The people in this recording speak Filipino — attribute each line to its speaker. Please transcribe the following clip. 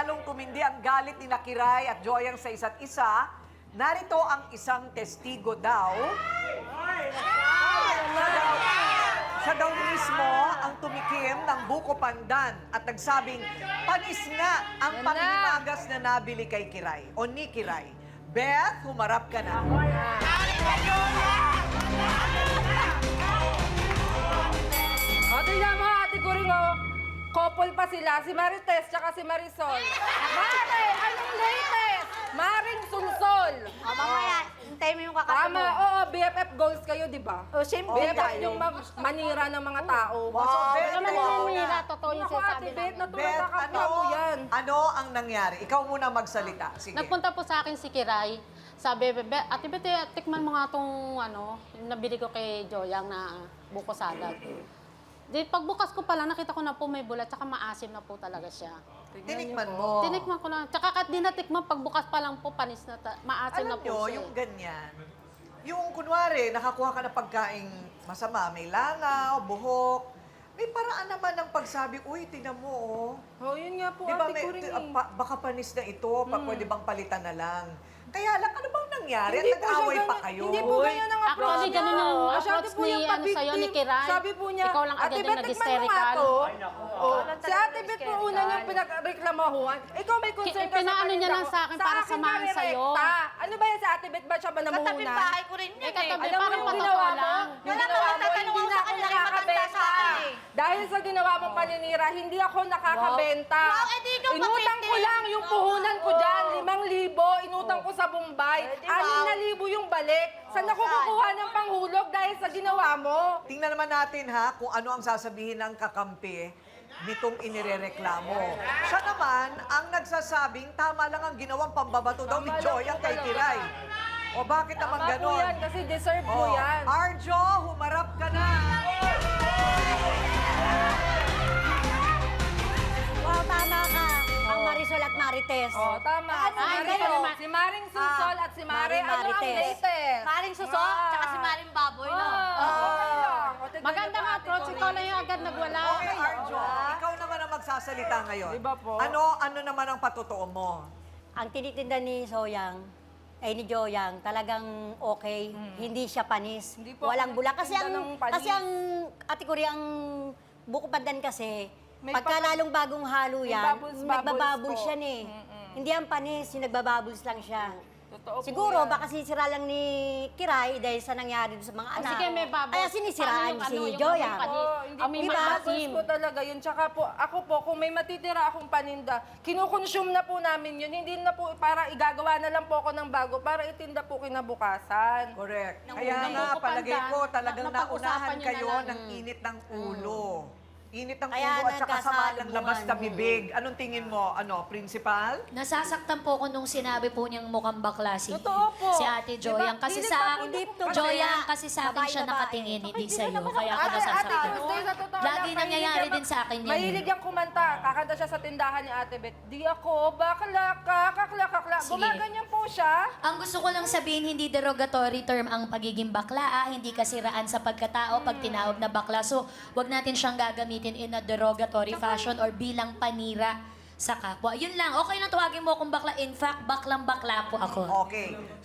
Speaker 1: lalong tumindi ang galit ni Kiray at Joyang sa isa't isa, narito ang isang testigo daw. Siya daw mismo ang tumikim ng buko pandan at nagsabing panis nga ang panghimagas na nabili kay Kiray o ni Kiray. Beth, humarap ka na.
Speaker 2: O, tingnan mo, ate Kuring, o. Couple pa sila, si Marites tsaka si Marisol. Mare, anong latest? Maring Sunsol.
Speaker 3: O, mamaya, hintayin mo yung
Speaker 2: Tama,
Speaker 3: kakasunod.
Speaker 2: oo, BFF goals kayo, di ba?
Speaker 3: O, siyempre
Speaker 2: BFF
Speaker 3: tayo.
Speaker 2: yung manira ng mga tao.
Speaker 1: Wow, Beth,
Speaker 4: naman
Speaker 1: ikaw
Speaker 4: nanira,
Speaker 1: na.
Speaker 4: totoo yung
Speaker 2: Naku,
Speaker 4: sinasabi
Speaker 2: ate Beth,
Speaker 4: namin.
Speaker 2: natural
Speaker 1: Beth,
Speaker 2: na kapwa mo yan.
Speaker 1: ano ang nangyari? Ikaw muna magsalita. Sige.
Speaker 4: Nagpunta po sa akin si Kiray. Sabi, Ate Bete, tikman mo nga itong yung nabili ko kay Joyang na buko salad. Di pagbukas ko pala, nakita ko na po may bulat, tsaka maasim na po talaga siya.
Speaker 1: Tinikman mo.
Speaker 4: Tinikman ko lang. Tsaka kahit di natikman, pagbukas pa lang po, panis na, maasim na
Speaker 1: Alam
Speaker 4: po
Speaker 1: nyo,
Speaker 4: siya.
Speaker 1: yung ganyan, yung kunwari, nakakuha ka ng pagkaing masama, may langaw, buhok, may paraan naman ng pagsabi, uy, tingnan mo, oh.
Speaker 2: Oh, yun nga po,
Speaker 1: Di ba,
Speaker 2: ate Kuring.
Speaker 1: baka panis na ito, pwede bang palitan na lang? Kaya lang, ano bang nangyari?
Speaker 2: Hindi
Speaker 1: At
Speaker 2: po siya
Speaker 1: nag-away pa
Speaker 2: ganyan-
Speaker 1: kayo?
Speaker 2: Hindi po ganyan ang approach
Speaker 4: Actually,
Speaker 2: niya.
Speaker 4: ganun yung
Speaker 2: Masyado
Speaker 4: approach
Speaker 2: po
Speaker 4: ni,
Speaker 2: yung
Speaker 4: sa'yo, ni
Speaker 2: pa-victim.
Speaker 4: Kiray.
Speaker 2: Sabi po niya,
Speaker 4: Ikaw lang agad
Speaker 2: Ate
Speaker 4: yung
Speaker 2: Beth, tikman mo nga
Speaker 4: nag-hysterical.
Speaker 2: to. Oh, si Ate Beth po una niyang pinagreklamahuan. Ikaw may concern ka sa
Speaker 4: Pinaano niya
Speaker 2: paninda
Speaker 4: lang
Speaker 2: ko.
Speaker 4: sa akin para samahan
Speaker 2: narirekta.
Speaker 4: sa'yo.
Speaker 2: Ano ba yan si Ate Beth? Ba siya ba namuhunan?
Speaker 3: Katabing bahay ko rin yun
Speaker 4: katabi,
Speaker 2: Alam mo
Speaker 4: parang
Speaker 2: yung
Speaker 4: patotoo
Speaker 2: ginawa mo?
Speaker 4: lang.
Speaker 2: Yung
Speaker 3: Wala
Speaker 2: ginawa
Speaker 3: naman
Speaker 2: mo,
Speaker 3: tatanong
Speaker 2: hindi
Speaker 3: ako
Speaker 2: na
Speaker 3: sa
Speaker 2: ako
Speaker 3: kanya, may matanda sa
Speaker 2: nakakabenta.
Speaker 3: akin eh.
Speaker 2: Dahil sa ginawa mong paninira, hindi ako nakakabenta.
Speaker 3: Wow, eh, di ikaw
Speaker 2: Inutang ko
Speaker 3: mabigti.
Speaker 2: lang yung puhunan ko dyan, 5,000. Inutang ko sa Bombay.
Speaker 3: Eh, di wow.
Speaker 2: 6,000 yung balik. Saan ako kukuha ng panghulog dahil sa ginawa mo?
Speaker 1: Tingnan naman natin ha, kung ano ang sasabihin ng kakampi nitong inirereklamo. Siya naman ang nagsasabing tama lang ang ginawang pambabato daw ni
Speaker 2: Tama lang
Speaker 1: Joyang
Speaker 2: po
Speaker 1: kay
Speaker 2: talaga.
Speaker 1: Kiray. O bakit naman
Speaker 2: Tama po
Speaker 1: ganon?
Speaker 2: yan kasi deserve mo
Speaker 1: Oh,
Speaker 2: yan.
Speaker 1: Arjo, humarap ka na.
Speaker 3: Wow, tama ka. Ang Marisol at Marites.
Speaker 2: Oh, tama.
Speaker 3: Ano,
Speaker 2: Si
Speaker 3: kayo?
Speaker 2: Maring- Si Maring Susol at si Mare, ano ang
Speaker 3: Marites.
Speaker 2: latest?
Speaker 3: Maring Suso, tsaka si Maring Baboy, no?
Speaker 2: Okay lang. O, tignan
Speaker 4: Maganda
Speaker 2: niyo po,
Speaker 4: nga
Speaker 2: Ate
Speaker 4: approach,
Speaker 2: Cory.
Speaker 4: ikaw lang yung agad nagwala.
Speaker 1: Okay, Arjo, ikaw naman ang magsasalita ngayon.
Speaker 2: Di ba po?
Speaker 1: Ano naman ang patotoo mo?
Speaker 3: Ang tinitinda ni Soyang, ay ni Joyang, talagang okay. Hindi siya panis.
Speaker 2: Hindi po
Speaker 3: Walang
Speaker 2: ako
Speaker 3: bula. Kasi
Speaker 2: nagtitinda
Speaker 3: ang,
Speaker 2: ng panis.
Speaker 3: kasi ang, Ate Cory, ang buko pandan kasi,
Speaker 2: May
Speaker 3: pagka
Speaker 2: pa-
Speaker 3: lalong bagong halo
Speaker 2: may
Speaker 3: yan,
Speaker 2: bubbles
Speaker 3: nagbabubbles
Speaker 2: po.
Speaker 3: siya eh. Hindi ang panis, yung nagbabubbles lang siya.
Speaker 2: Totoo po
Speaker 3: Siguro,
Speaker 2: yan.
Speaker 3: baka sinisira lang ni Kiray dahil sa nangyari doon sa mga anak.
Speaker 4: sige, may bubbles.
Speaker 3: Kaya sinisiraan
Speaker 4: Paano
Speaker 3: si
Speaker 4: yung
Speaker 3: Joyang.
Speaker 4: panis?
Speaker 2: Oo, hindi
Speaker 4: Ang may
Speaker 2: po
Speaker 4: maasim.
Speaker 2: maasim po talaga yun. Tsaka po, ako po, kung may matitira akong paninda, kinukonsume na po namin yun. Hindi na po para igagawa na lang po ako ng bago para itinda po kinabukasan.
Speaker 1: Correct.
Speaker 4: Nang
Speaker 1: Kaya
Speaker 4: unang
Speaker 1: nga,
Speaker 4: buko
Speaker 1: palagay
Speaker 4: pandan,
Speaker 1: ko talagang
Speaker 4: napag-usapan
Speaker 1: naunahan
Speaker 4: nyo na
Speaker 1: kayo
Speaker 4: lang.
Speaker 1: ng init ng ulo. Init ng
Speaker 3: Kaya
Speaker 1: ulo at saka sama ng labas na
Speaker 3: nagkasalubungan.
Speaker 1: bibig. Anong tingin mo? Ano, principal?
Speaker 5: Nasasaktan po ko nung sinabi po niyang mukhang bakla si,
Speaker 2: Totoo po.
Speaker 5: si Ate Joyang.
Speaker 2: Diba?
Speaker 5: Kasi
Speaker 2: Hindi
Speaker 5: sa
Speaker 2: pa
Speaker 5: akin,
Speaker 2: po dito.
Speaker 5: Joyang kasi sa akin siya
Speaker 3: Babae-babae.
Speaker 5: nakatingin, hindi sa iyo. Kaya ako
Speaker 2: Ate
Speaker 5: nasasaktan.
Speaker 2: Tuesday, sa totoo
Speaker 5: Lagi
Speaker 2: lang,
Speaker 5: nangyayari
Speaker 2: mahilig
Speaker 5: din sa akin yan.
Speaker 2: Mahilig yung kumanta. Kakanta siya sa tindahan ni Ate Beth. Di ako, bakla ka, kakla, kakla.
Speaker 5: Sige.
Speaker 2: Gumaganyan po siya.
Speaker 5: Ang gusto ko lang sabihin, hindi derogatory term ang pagiging bakla, hindi kasiraan sa pagkatao pag tinawag na bakla. So, wag natin siyang gagamitin in a derogatory fashion or bilang panira sa kapwa. Yun lang, okay lang tawagin mo akong bakla. In fact, baklang-bakla po ako.
Speaker 1: Okay.